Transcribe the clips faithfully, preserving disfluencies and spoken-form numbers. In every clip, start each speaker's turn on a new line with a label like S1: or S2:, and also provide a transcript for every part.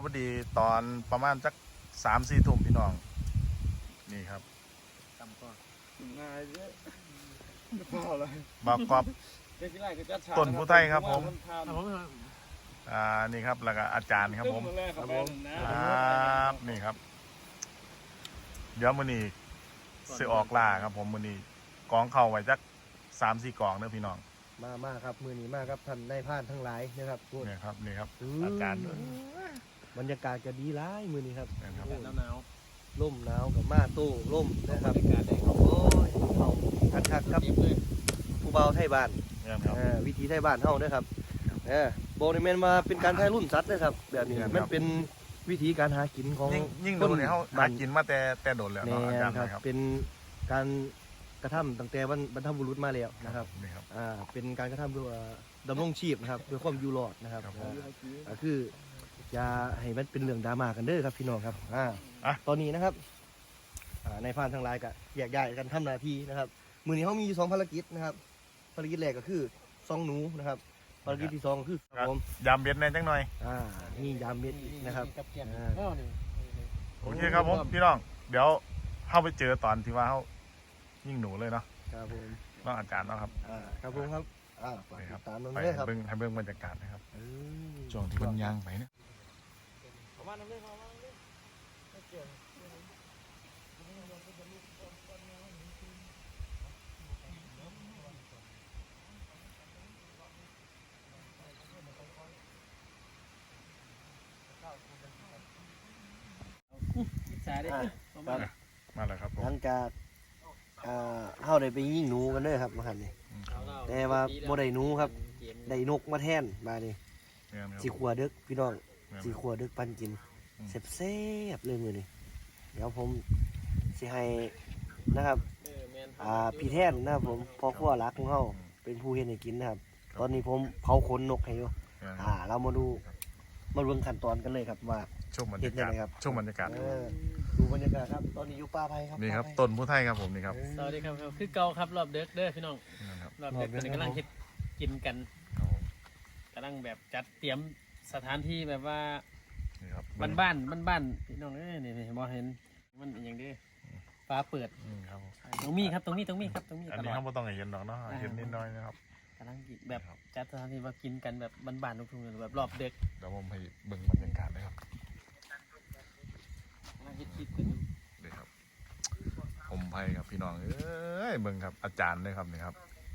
S1: พอดีตอนประมาณสักสามสี่ทุ่มพี่น้องนี่ครับ
S2: จำก่อนง่ายเยอะพอเลย
S1: บอกกอบต้นผู้ไทยครับผมอ่านี่ครับแล้วก็อาจารย์ครับผม
S2: ครับผม
S1: ครับนี่ครับเดี๋ยวมื้อนี้สิออกล่าครับผมมื้อนี้กองเข้าไว้จักสามสี่กองเด้อพี่น้อง
S3: มามากครับมือนี้มากครับท่านได้ผ่านทั้งหลายนะครับ
S1: นี่ครับนี่ครับอาจารย์
S3: บรรยากาศก็ดีร้ายมือนี้ครับ
S2: หนาว
S3: ร่มหนาวกับมาตู้ร่มนะครับ
S2: บรรยากาศได้ครับ
S3: โอ้ยเขาคักคักครับผู้เบาไทยบ้าน
S1: นี่ครับ
S3: วิธีไทยบ้านเฮานะครับเออโบนิเมนมาเป็นการไทยรุ่นสัตว์นะครับแบบนี้มันเป็นวิธีการหากินของ
S1: ยิ่งยิ่งดูเนี่ยเขาหากินมาแต่แต่โดดแล้ว
S3: แน่
S1: เนาะอาจารย์
S3: ครับ
S1: นะครับ
S3: เป็นการกระทำตั้งแต่บรรพบุรุษมาแล้วนะครับ
S1: นี่ครับ
S3: อ่าเป็นการกระทำเพื่อดำรงชีพนะครับเพื่อความอยู่รอดนะครับ
S1: ครับผม
S3: อ่าคืออย่าให้มันเป็นเรื่องดราม่ากันเด้อครับพี่น้องครับอ่า
S1: อ่ะ
S3: ตอนนี้นะครับอ่าในพานทางไลน์ก็แยกย้ายกันทำหน้าที่นะครับมือนี้เขามีอยู่สองภารกิจนะครับภารกิจแรกก็คือซองหนูนะครับภารกิจที่สองก็คือครับผม
S1: ยามเบ็ดแน่จังหน่อย
S3: อ่ามียามเม็ดอีกนะครับ
S2: กับแกง
S3: อ่า
S2: อ๋อนี่
S1: โอเคครับผมพี่น้องเดี๋ยวเข้าไปเจอตอนที่ว่าเขายิ่งหนูเลยเนาะ
S3: ครับผม
S1: น้องอาจารย์เนาะครับ
S3: อ่าครับผมครับอ่าฝาก
S1: ไปค
S3: ติ
S1: รับ
S3: ดตามน้อง
S1: ไป
S3: ด้วยครับ
S1: เบิ้งให้เบิ้งบรรยากาศนะครับ
S3: เออ
S1: ช่วงที่มันยางไปเนี่ย
S2: ประมาณนั้นเลยประมาณนั้นเลย สายได้
S3: อ่า
S2: ประ
S3: ค
S2: มา
S3: รับ
S2: ณ
S1: มาแล้วครับผ
S3: ห
S1: ม
S3: ลังจากอ่าเฮาได้ไปยิงหนูกันเด้อครับมาหันนี่
S1: อืม
S3: แต่ว่าบ่ได้หนูครับ ได้นกมาแทนมานี่
S1: เนี่ยนะครับ
S3: สีขัวดึกพี่น้อง
S1: เนี่ย
S3: สีขัวดึกปันกิน
S1: อืม
S3: แซ่บๆเลยมือนี่เดี๋ยวผมสิให้นะครับ
S2: เออแมน
S3: อ่าพี่แทนนะครับผมพ่อครัวรักของเฮาเป็นผู้เฮ็ดให้กินนะครับ ตอนนี้ผมเผาขนนกให้อยู่
S1: เนี่ย
S3: อ่า เรามาดูมาเบิ่งขั้นตอนกันเลยครับว่า
S1: ช่วงบรร
S3: เห็
S1: ยาน
S3: ยัง
S1: กาศ
S3: ไงครับ
S1: ช่วงบรรยากาศ
S3: เออดูบรรยากาศครับ ตอนนี้อยู่ป่าไผ่ครับ
S1: นี่ครับ
S3: ป่าไผ่
S1: ต้นผู้ไทยครับผมนี่ครับ
S2: สวัสดีครับคือเก่าครับรอบเด็กเด้อพี่น้อง
S1: นี่ครับ
S2: รอบเด็กตอนนี้กำลังเฮ็ดกินกัน
S1: ครับผม
S2: กำลังแบบจัดเตรียมสถานที่แบบว่า
S1: นี่ครับ
S2: บ้านบ้านบ้านบ้านๆพี่น้องเอ้ยนี่นี่มองเห็นมันอหย่างเดีฟ้าเปิด
S1: อืมครับผม
S2: ตรงมีครับตรงนี้ตรงนี้ครับตรงนี้
S1: อัน
S2: ต
S1: นี้
S2: ลอด
S1: เขาไม่ต้องให้เห็นหรอกเนาะเห็นนิดหน้อยนะครับ
S2: กำลังกินแบบจัดสถานที่ว่ากินกันแบบบ้านๆทุกๆแบบรอบเด็ก
S1: เดี๋ยวผมให้เบิ่งบรรยากาศนะครับ
S2: กำลังเฮ็ดคลิปกันอยู่
S1: นี่ครับผมไพ่ครับพี่น้องเอ้ยเบิ่งครับอาจารย์เลยครับนี่ครับ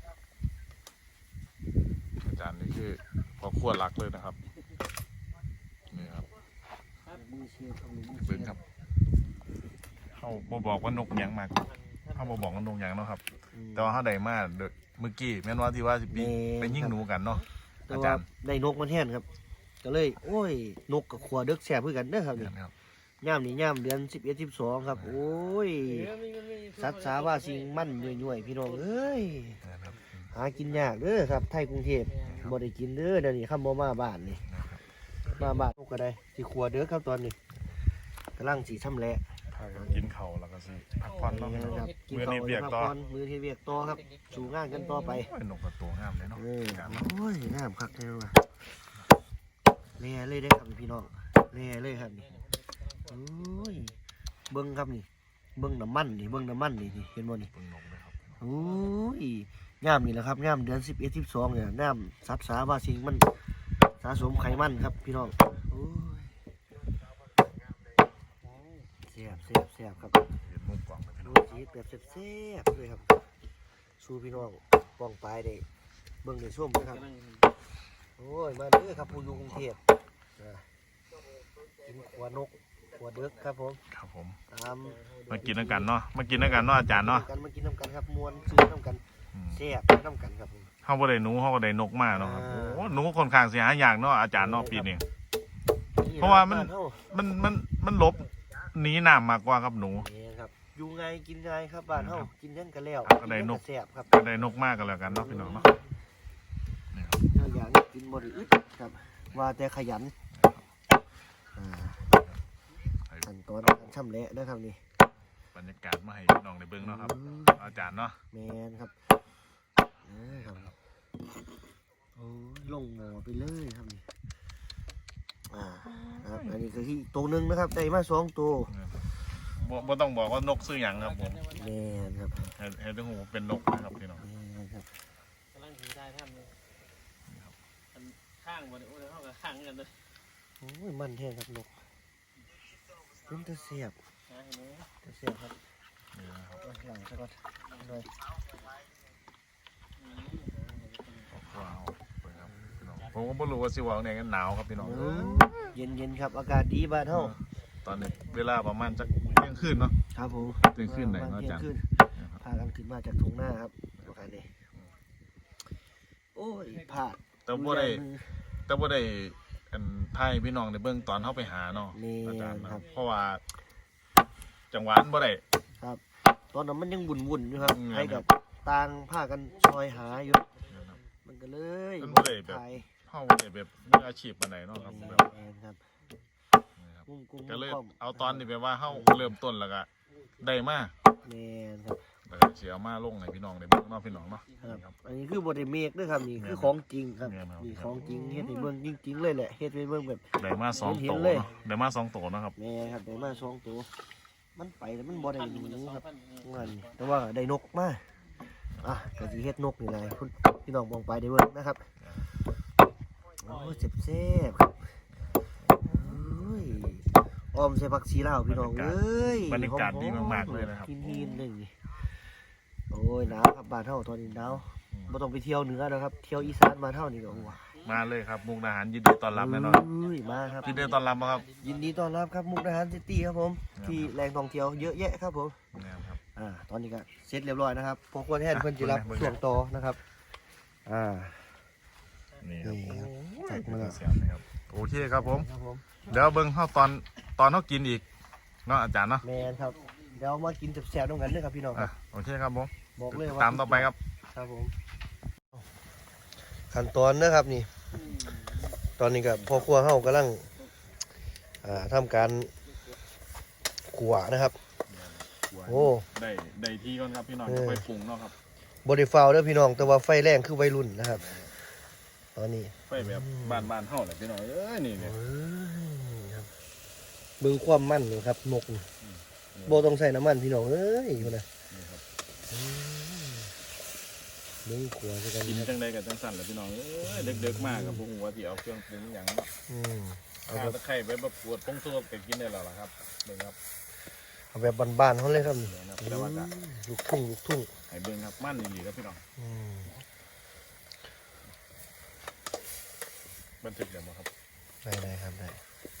S1: อาจารย์นี่คือพอขั้วรักเลยนะครับนี่ครับ
S3: มือเชียร์ครับมือ
S1: เบิ่งครับเขาบอบอกว่านกหยังมากเขาบอบอกว่านกหยังเนาะครับ แต่ว่าเขาได้มาเดยวเมื่อกี้แม่นว่าที่ว่าสิปีไปยิ่งหนูกันเนาะ
S3: แต่
S1: อา
S3: ว่า
S1: จารย์
S3: ได้นกมาแทนครับ ก็เลย โอ้ย นกกับขัวดึกแซ่บเพื่อกันเด้อครับนี่
S1: นี่ครับ
S3: ย่ามนี่ย่ามเดือนสิบเอ็ดสิบสองครับ โอ้ย
S2: เออมีมันมี
S3: สัตว์สาว่าสิ่งมั่นย่อยๆพี่น้องเอ้ย
S1: นี่ครับ
S3: หากินยากเด้อครับไทยกรุงเทพบ่ได้กินเด้อเดี๋ยวนี้คำบ่มาบ้านนี่
S1: นี่ครับ
S3: มาบ้านนกก็ได้สิขัวเด้อครับตอนนี้กำลังสีช่ำแหละ
S1: พากันกินข้าวแล้วก็สิพักผ่อนเนาะพี่น้อง
S3: ครับกิน
S1: มื้อ
S3: ข้า
S1: นี้
S3: ว
S1: เบียกต่อ
S3: พัผ่นมือที่เวียกต่อครับ สู่งานกันต่อไป
S1: โอ้ยนกกับตัวงามเลยเนาะ
S3: เออ
S1: การ
S3: โอ้ยน้ำคักแท้ว่ะแล่เลยได้อครับพี่น้องแล่เลยครับนี่โอ้ยเบิ้งครับนี่เบิ้งน้ำมันนี่เบิ้งน้ำมันนี่นี่เห็นบ่นี่
S1: เบิ่งนกเลยครับ
S3: โอ้ยงามนี่แหละครับงามเดือนสิบเอ็ดสิบสองเนี่ยน้ำซับสาว่าสิ่งมันสะสมไขมันครับพี่น้องโอ้ยเสียบเสียบเสียบครับ
S1: เห็นมุมกล้องไปพี่น้
S3: ดู
S1: อง
S3: สีแบบเสียบๆเลยครับสู้พี่น้องป้องปลายได้เบิ่งในช่วงนะครับ
S2: กำลัง
S3: โอ้ยมาเด้อครับผู้อยู่กรุงเทพอ่ากินขวานกขวเดึกครับผม
S1: ครับผม
S3: ตาม
S1: มากินด้วยกันเนาะมากินด้วยกันเนาะอาจารย์เนาะ
S3: กันมากินน้ำกันครับมวนซื้อน้ำกัน
S1: อืม
S3: แซ่บน้ำกันครับผม
S1: เขาบ่ได้หนูเขาก็ได้นกมากเนาะครับ
S3: อ่า
S1: โอ้หนูค่อนข้างเสียหายากเนาะอาจารย์เนาะปีนี้
S3: นี่
S1: เพราะว่ามัน
S3: บ้เฮ
S1: มันมันมันหลบหนีน้ำมากกว่าครับหนู
S3: นี่ครับอยู่ไงกินไงครับบ้านเฮากินยังกันแล้ว
S1: ก็ได้นก
S3: แซ่บครับ
S1: ก็ได้นกมากกันแล้วกันเนาะพี่น้องเนาะนี่ครับ
S3: ถ้าอยากกินบ่ได้อึดครับว่าแต่ขยันอ่าขั้นตอนการช่ำแหละนะครับนี่
S1: บรรยากาศมาให้พี่น้องได้เบิ่งเนาะครับ อาจารย์เนาะ
S3: แมนครับเออครับโอ้ยลงหมอไปเลยครับนี่อ่านะครับอันนี้คือที่ตัวหนึ่งนะครับได้มาสองตัว
S1: บ่บ่ต้องบอกว่านกซื้อหยังครับผม
S3: แม่นครับ
S1: ให้ให้ทุกหูเป็นนกนะครับพี่น้อง
S3: แม่นครับ
S2: กำลังถือได้ท่านเลยอันข้างบนโอ้ยเท่ากับข้างกันเลย
S3: โอ้ยมันแท้ครับนกเป็นตะเสียบ
S2: นะเห็นไหม
S3: ตะเสียบครับ
S1: นี่นะครับ
S3: เอาหลังซะก่อนหน่อย
S1: ว้าวเปิดครับพี่น้องผมก็ไม่รู้ว่าสิว่าเนี่ยกันหนาวครับพี่น้อง
S3: เย็นเย็นๆครับอากาศดีบ้านเฮา
S1: ตอนนี้เวลาประมาณจะเที่ยงคืนเนาะ
S3: ครับผม
S1: เที่ยงคืนไหน
S3: ประ
S1: เนาะ
S3: มาณ
S1: อาจารย์
S3: เที่ยงคืนพากันขึ้นมาจากทุ่งนาครับประการนี้โอ้ยพลาด
S1: แต่บ่ได้แต่บ่ได้อันไทยพี่น้องในเบื้องตอนเข้าไปหาเนาะ
S3: นี่
S1: อาจารย์นะ
S3: ครับ
S1: เพราะว่าจังหวะนั้นบ่ได้
S3: ครับ ตอนนั้นมันยังวุ่นๆอยู่ครับ
S1: อืม
S3: ให้กับต่างพากันซอยหาอยู่
S1: นะครับ
S3: มันก็เลย
S1: มันบ่ได้แบบ
S3: ถ่าย
S1: เข้าบ่ได้แบบมืออาชีพปานใดเนาะครับแบบ
S3: แม่นครับ
S1: นี้ครับ
S3: กุ้งกุ้ง
S1: ก็เลย
S3: ป้อม
S1: เอาตอนนี้ไปว่าเข้าเริ่มต้นแล้วก็ได้มา
S3: แม่นครับ
S1: แล้วก็สิเอามาลงให้พี่น้องได้เบิ่งเนาะพี่น้องเนาะ
S3: ครับ
S1: นี่ครับ
S3: อันนี้คือบริเมกด้วยครับนี่
S1: แม่น
S3: คือของจริงครับ
S1: แม่นครับ
S3: นี่ของจริงเฮ็ดให้เบิ่งจริงๆเลยแหละเฮ็ดให้เบิ่งแบบ
S1: ได้มาสอง
S3: เห็
S1: โต
S3: นเลย
S1: เนาะได้มาสองโตเนาะครับ
S3: แม่ครับได้มาสองตัวมันไปแล้วมันบ่ได้
S2: พัน
S3: ห
S2: มันจะ
S3: นู
S2: สอง
S3: ครับ
S2: พัน
S3: นั่นแต่ว่าได้นกมาอ่ะก็สิเฮ็ดนกนี่แหละคุณพี่น้องมองไปได้เบิ่งนะครับโอ้ยแซ่บๆครับเอ้ยออมใส่ผักชีลาวพี่น้องเอ้ย
S1: บรรยากาศดี
S3: หอๆ
S1: มากๆเลยนะครับ
S3: หินๆหนึ่งโอ้ยหนาวครับบ้านเฮาตอนนี้หนาวบ่ต้องไปเที่ยวเหนือแล้วครับเที่ยวอีสานบ้านเฮานี่ก็โอ้ย
S1: มาเลยครับมุกดาหารยินดีต้อนรับแน่นอน
S3: เอ้ยมาครับ
S1: ยินดีต้อนรับบ่ครับ
S3: ยินดีต้อนรับครับมุกดาหารซิตี้ครับผม
S1: ครับ
S3: ที่แหล่งท่องเที่ยวเยอะแยะครับผม
S1: นะครับ
S3: อ่าตอนนี้ก็เสร็จเรียบร้อยนะครับพอควรแทนเพิ่นจิรับ
S1: เบิ่งๆ
S3: ช่วงต่อนะครับอ่า
S1: นี่ครับ
S3: นี่ครับ
S1: โอ้ย
S3: จัดมาแล้ว
S1: เสียงนะครับโอเคครับผม
S3: ครับผม
S1: เดี๋ยวเบิ่งเข้าตอนตอนเขากินอีกเนาะอาจารย์เนาะ
S3: แมนครับเดี๋ยวมากินแซ่บๆด้วยกันเด้อครับพี่น้องค
S1: อ่ะ
S3: รับ
S1: โอเคครับผม
S3: บอกเลยว่า
S1: ตามต่อไปครับ
S3: ครับผมขั้นตอนนะครับนี่ ตอนนี้ก็พ่อครัวเฮากำลังอ่าทำการขัวนะครับ โอ้
S1: ได้ได้ที่ก่อนครับพี่น้อง
S3: เออ
S1: จะไปปรุงเนาะครับ
S3: บริฟาวเด้อพี่น้องแต่ว่าไฟแรงคือวัยรุ่นนะครับ ตอนนี้
S1: ไปแบบบ้านบ้านๆเฮาแหละพี่น้องเอ้ยนี่เนี่ย
S3: เอ้ยครับเบิ่งความมั่นนี่ครับนกนี่บ่ต้องใส่น้ำมันพี่น้องเอ้ยอยู่นะ
S1: นี่ครับ
S3: เบิ่งขัวซะกัน
S1: กิน
S3: ครับ
S1: จังใดกับจังสั่นแหละพี่น้องเอ้ยเด็กๆมากกับพวกหัวที่เอาเครื่องปรุงอย่างเนาะ
S3: อืมเอา
S1: ข้า
S3: แบบ
S1: ตะไคร้ไปแบบปวดปงตัวก็กินได้แล้วล่ะครับเบิ่งครับ
S3: เอาแบบบ้านๆเขาเลยครับนี่
S1: เดี๋ยวนะแต่ว่าก็
S3: อืมลูกทุ่งลูกทุ่ง
S1: ให้เบิ่งครับมันดีๆครับพี่น้อง
S3: อืม
S1: บันทึกเดี๋ยวมาครับ
S3: ได้ได้ครับได้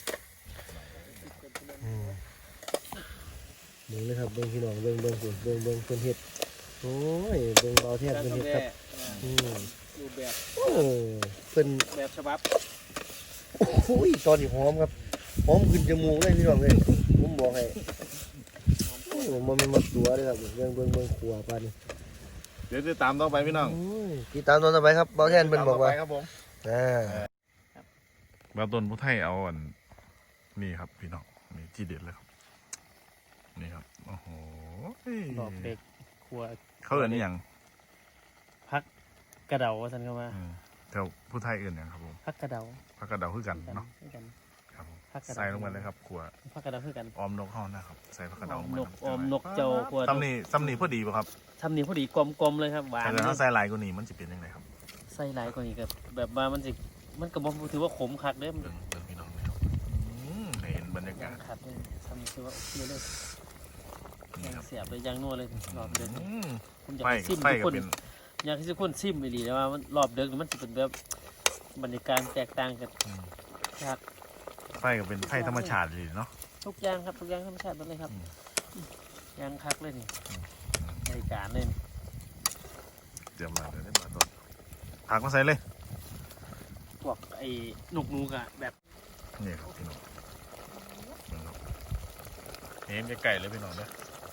S3: อืมเบิ่งเลยครับเบิ่งพี่น้องเบิ่งเบิ่งเบิ่งเบิ่งเบิ่งเพิ่นเฮ็ดโอ้ยเบิ่งเบาแทบเพิ่นเฮ็ดครับอืม
S2: รูปแบบ
S3: โอ้เพิ่น
S2: แบบฉบับ
S3: โอ้ยตอนนี้หอมครับหอมขึ้นจมูกเลยพี่น้องเลยผมบอกให้โอ้ยมันไม่มาตัวเลยครับเบิ่งเบิ่งเบิ่งขัวปานนี้
S1: เดี๋ยวจะตามต่อไปพี่น้อง
S3: โอ้ยติดตามตอนต่อไปครับเบาแทนเพิ่นบอกว่า
S1: ตมต่ไปครับผม
S3: อ่า
S1: บาต้นผู้ไทยเอาอันนี่ครับพี่น้องนี่ที่เด็ดเลยครับนี่ครับโอ้โห
S2: ดอกเด็กครัว
S1: เขาเอิ้นนี่ยัง
S2: พักกระเดาว่าสันเข้ามา
S1: อืมแถวผู้ไทยเอิ้นหยังครับผม
S2: พักกระเดา
S1: ผักกระเดาคือกัน
S2: กัน
S1: เนาะ
S2: คือกัน
S1: ครับผม
S2: ผักกระเดา
S1: ใส่ลงไปเลยครับขัว
S2: พักกระเดาคือกัน
S1: ออมนกเข้านะครับใส่ผักกระ
S2: อ
S1: เดา
S2: อ
S1: ล
S2: ม
S1: งไป
S2: นกออมนกเจ้าครัว
S1: ซ้ำนี่ซ้ำนี่พอดีป่ะครับ
S2: ทำนี่พอดีกลมๆเลยครับหวาน
S1: แต่ถ้าใส่ลายกว่านี้มันจะเป็นยังไงครับ
S2: ใส่หลายกว่านี้ก็แบบว่ามันสิมันก็บ่ถือว่าขมคักเด้อมัน
S1: เบิ่งเบิ่งพี่น้องเลยครับอืมให้เห็นบรรยากาศ
S2: คักเลยทำนี่คือว่าโอเคเลย
S1: นี่
S2: ยัง
S1: ครับ
S2: เสียบเลยยังนัวเลยรอบเดิน
S1: อืม
S2: ผมอยาก
S1: ไฟ
S2: ให้ซิม
S1: ไฟ
S2: ทุก
S1: ก็
S2: คน
S1: เป็น
S2: อยากให้ทุกคนซิมไปดีแต่ว่ามันรอบเดินมันจะเป็นแบบบรรยากาศแตกต่างกัน
S1: อืม
S2: ครับ
S1: ไฟก็เป็นไฟธรรมชาติเลยเนาะ
S2: ทุกอย่างครับทุกอย่างธรรมชาติหมดเลยครับ
S1: อืม
S2: ยางคักเลยนี่บริการเลยนี่
S1: เตรียมมาเดี๋ยวได้มาต้นผักมาใส่เลย
S2: พวกไอ้นกนูกอะแบบ
S1: นี่ครับพี่น้องเบิ่งครับเห็นไก่ๆเลยพี่น้องเด้อ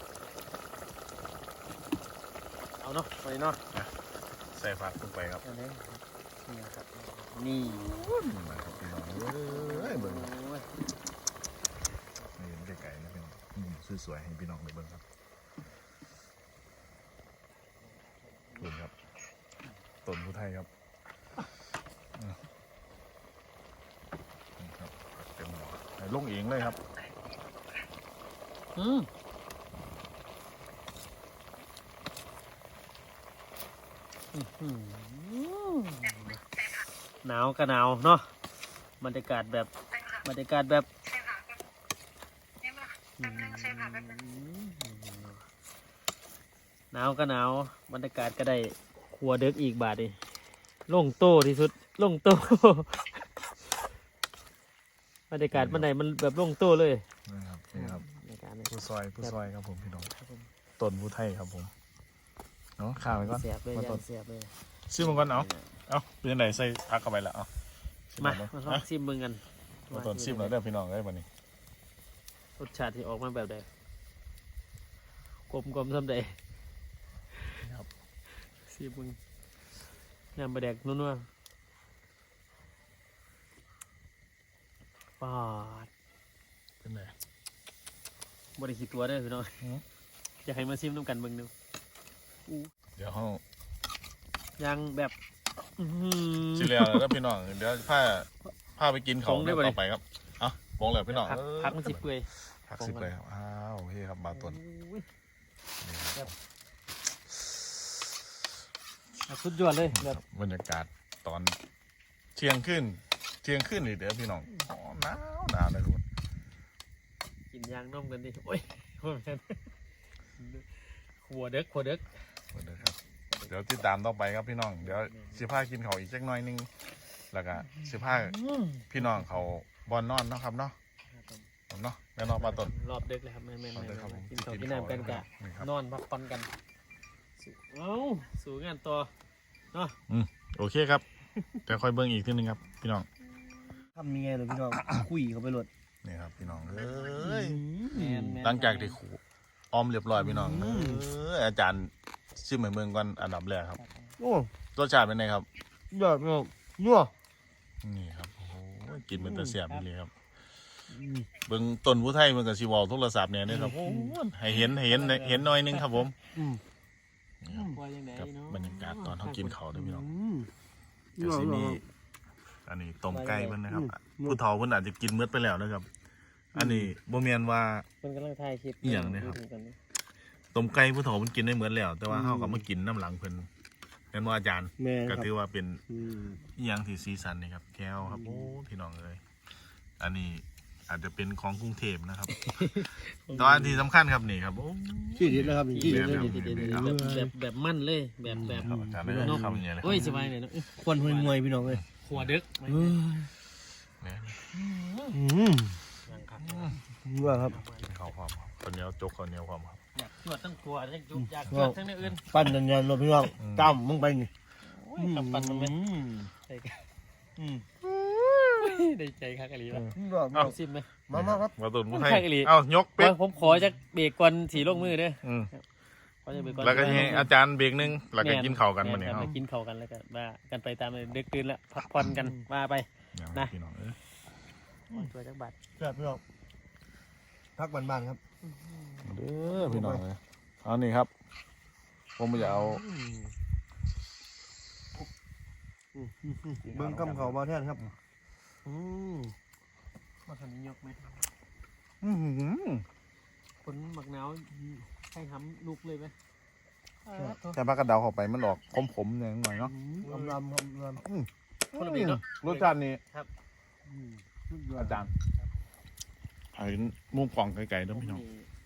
S2: เอาเนาะไปเนาะ
S1: ใส่ผักลงไปครับ
S2: เอาเลยนี่ครับนี่
S1: นี่มาครับพี่น้องเอ้ยเบิ่ง
S2: โอ้ย
S1: นี่เห็นไก่ๆนะพี่น้องมุมสวยๆให้พี่น้องได้เบิ่งครับขอบคุณครับต้นผู้ไทยครับอ่ะนี่ครับเองเลยครับ
S2: อืมอื้อหือหนาวก็หนาวเนาะบรรยากาศแบบบรรยากาศแบบอืมหนาวก็หนาวบรรยากาศก็ได้ครัวเด็กอีกบาทดิโล่งโต้ที่สุดโล่งโต้ บรรยากาศมันไหนมันแบบโล่งโต้เลย
S1: นะครับนี่ครับ
S2: บรรยากาศเนี่ย
S1: ผู้ซอยผู้ซอยครับผมพี่น้องต้นผู้ไทยครับผมเนาะข้าวไปก่อน
S2: เสียบเลย
S1: มา
S2: ยั
S1: ต้น
S2: งเสียบเลย
S1: ซิมมันก่อนเอาเอาเป็นยังไงใส่พักเข้าไปแล้วเอาซิม
S2: มา
S1: เนาะ
S2: มาลองซิมมึงกัน
S1: มาต้นซิมแล้วเด้อพี่น้องเอ้ยวันนี้
S2: รสชาติที่ออกมาแบบใดกลมกลมซ้ำใด
S1: ครับ
S2: ซิมมึงน้ำปลาแดกนัวๆปาด
S1: เป็นไง
S2: บริขีดตัวได้อพี่น้อง
S1: อืม
S2: อยากให้มาซิมน้ำกันเบิ่งหนึงอู้
S1: เดี๋ยวเขา
S2: ยังแบบอื้อหือ
S1: สิเลียวแล้วพี่น้องเดี๋ยวพาพาไปกินเขา
S2: ปรุงได้บ่ดิ
S1: ต่อไปครับเอาปองเลยพี่น้อง
S2: พัก
S1: เอ้ย
S2: พักมันสิเปื่อย
S1: พักสิบเลยครับอ้าวโอเคครับบาต้น
S2: อุ้ย
S1: นี่ครับ
S2: แบบสุดยอดเลยแบบ
S1: บรรยากาศตอนเที่ยงขึ้นเที่ยงขึ้นนี่เดี๋ยวพี่น้องอ๋อหนาวหนาวเลยทุกคน
S2: กินยางนมกันดิโอ้ยโอ้ยขัวเด็กขัวเด็ก
S1: เดี๋ยวครับเดี๋ยวติดตามต่อไปครับพี่น้องเดี๋ยวสิพากินเขาวอีกจักหน่อยนึงแล้วก็สิพาพี่น้องเขาบอลนอนเนาะครับเนาะเนาะแม่นอนปลาต้น
S2: รอบเด็กเลยครับแม่แม่
S1: รอบเด็กครับผม
S2: กินข้าวกินน้ำกันกะ
S1: นี่ครับ
S2: นอนพักผ่อนกันสู้เอ้าสู่งานต่อเนาะ
S1: โอเคครับเดี๋ยวค่อยเบิ่งอีกทีนึงครับพี่น้อง
S3: ทำยังไงเลยพี่น้อง คุยเขาไปหลด
S1: นี่ครับพี่น้องเอ้ย
S2: แม่นแม่น
S1: หลังจากที่ขูออมเรียบร้อยพี่น้องเอ้ยอาจารย์ชิมเหมือนเมืองก่อนอันดับแรกครับ
S3: โอ้
S1: รสชาติเป็นไงครับ
S3: ยอดพี่น้องนัว
S1: นี่ครับโอ้โหกินเป็นตะเสียบนี่เลยครับเบิ่งต้นผู้ไทยมันกับชีวอลโทรศัพท์เนี่ยนะครับโอ้โหให้เห็นให้เห็นเห็นหน่อยนึงครับผม
S3: อืม
S1: นี่ครับ
S2: ว่าจังได
S1: กั
S2: เนาะ
S1: บรรยากาศตอนเขากินเขาวด้วยพี่น้อง
S3: อืม
S1: เดี๋ยวสิมีอันนี้ต้มไก่เพิ่นนะครับผู้เฒ่าเพิ่นอาจจะกินเมือดไปแล้วนะครับ อันนี้บ่แม่นว่า
S2: เพิ่นกำลังถ่ายคลิป
S1: อีหยังเนี่ยครับ
S2: ดูกันนะ
S1: ต้มไก่ผู้เฒ่าเพิ่นกินได้เมือดแล้ว แต่ว่าเฮาก็มากินน้ำหลังเพิ่นแม่นว่าอาจารย์
S3: แม่ค
S1: ก็
S3: รับ
S1: ถือว่าเป็น
S3: อืม
S1: อีหยังที่สีสันนี่ครับแก้วครับโอ้พี่น้องเอ้ยอันนี้อาจจะเป็นของกรุงเทพนะครับแตอนที่สำคัญครับนี่ครับโอ้
S3: ที่เด็ดแล้วครับนี่ที่เด็ดเลย
S1: แม่
S3: นี่
S1: น
S3: ที่
S1: ครับ
S3: เด็ดเลย
S2: แบบแบบแบบมั่นเลยแบบแบบ
S1: ครับอาจารย์เลยคำนี้เลย
S2: โอ้ยสบายเลยเนาะ
S3: ควันห่วยงวยพี่น้องเลย
S2: ขัวเด็ก
S3: เฮ้ย
S1: แม่น
S3: อืม
S2: ยังครับ
S3: นัวครับ
S1: ข้าวความครับคนเหนียวจกคนเหนียวความครับ
S2: อยากตรวจทั้งขัวทั้งจุกอยากตรวจทั้งในอื่น
S3: ปั้นยันๆเลยพี่น้อง
S1: อืม
S3: จ้ำมึงไปนี่
S2: โอ้ยกับปันมันไหม
S3: อืม
S2: ได้กัน
S3: อืม
S2: ได้ใจคักอะไรวะ
S3: ยอด
S2: เอาซิมไหม
S3: มามาครับ
S1: มาตุนผู้ไทย
S2: ใช่อีหลี
S1: เอ้ายกเป๊ก
S2: ว่าผมขอจะเบรกก่อนสีลงมือเด้อ
S1: อืม
S2: ขอจะเบรกก่อน
S1: แล้วก็ให้อาจารย์เบรกหนึงแล้วก็กินข้าวกันมาเนี่ย
S2: แม่
S1: เฮา
S2: ไปกินข้าวกันแล้วก็ว่ากันไปตามเลยเด็กตื่นแล้วพักผ่อนกันว่าไป
S1: อย่าง
S2: นะ
S1: พี่น้องเอ้ย
S2: ช่วยจักบาท
S3: แซ่บพี่น้องพักบ้านๆครับ
S1: เด้อพี่น้องเลยเอานี่ครับ ผมจะเอา
S3: เบิ้งกำเขามาแทนครับอืม
S2: มาทำนี้ยกไหม
S1: อื้อหือ
S2: คนหมักหนาวให้ทำลุกเลยไหม
S1: แต่ปลากระเดาเข้าไปมันออกขมๆหน่อยหน่อยเนาะ
S3: ลำลำลำลำ
S2: คนละแบบเนาะ
S1: รสชาตินี้
S3: อืมสุดยอด
S1: อาจารย์เอาเห็นมุมกล่องไกลๆเด้วยพี่น้อง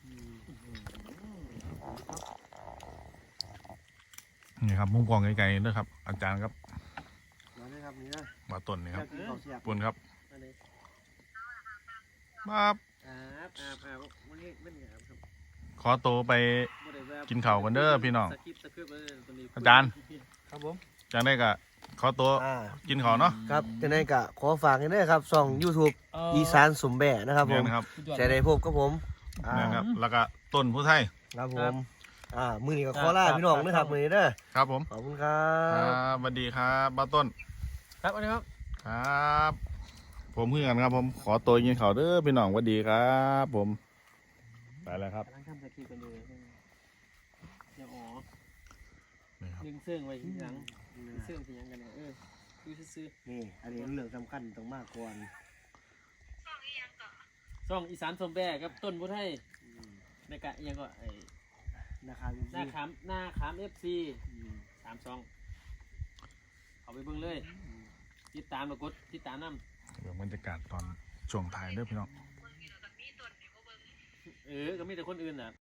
S1: นี่ครับมุมกล่องไกลๆเด้อครับ อาจารย์ครับ
S3: มาเลยครับนี่นะ
S1: มาต้นนี่ครับ
S3: กินข้าวเสียบ
S1: ปุ่นครับ
S2: อันนี้
S1: มา
S2: อาบอาบอาบวันนี้ไม่ได้อาบครับ
S1: ขอตัวไป
S2: บ่ได้แบบ
S1: กินข้าวกันเด้อพี่น้อง
S2: สคริปต์สคริปต์เลยตัวนี้
S1: อาจารย์
S2: ครับผม
S1: จากได้ก็ขอตัว
S3: อ่า
S1: กินข้าวเนาะ
S3: ครับจะได้กะขอฝากกันด้วยครับช่อง YouTube อีสานสมแบะนะครับผ
S1: เนี่ย
S3: ม
S1: นะครับ
S3: จะได้พบกับผมอ่า
S1: เนี่ยนะครับ แล้วก็ต้นผู้ไทย
S3: ครับผมอ่ามือนี้ก็ขอลาพี่น้องนะครับมือนี้เด้อ
S1: ครับผม
S3: ขอบคุณครั
S1: ครับ บสวัสดีครับบ้าต้น
S2: ครับอันนี้ครับ
S1: ครับ ผมเพื่อนครับผมขอตัวกินข้าวเด้อพี่น้องสวัสดีครับ ผมไปแล้วครับ
S2: กำลังทำสคริปต์กันอยู่เดี๋ยวอ๋อ
S1: นี่ครับ
S2: ดึงเสื้อไว้ที่หลังดึงเสื้อที่ยังกันเนี่ยเออดูซื่อ
S3: นี่อันนี้เรื่องสำคัญต้องมากก่อน
S2: ช่องอีสานสมแบกกับต้นพุทธให้ในกะยังก็ไอ้
S3: นะครับ
S2: หน้าขามหน้าขามเอฟซีสามซองเอาไปเบิ่งเลยติดตามแล้วกดติดตามน้ำ
S1: เดี๋ยวบรรยากาศตอนช่วงถ่ายเด้อพี่น้อง
S2: เออก็มีแต่คนอื่นน่ะ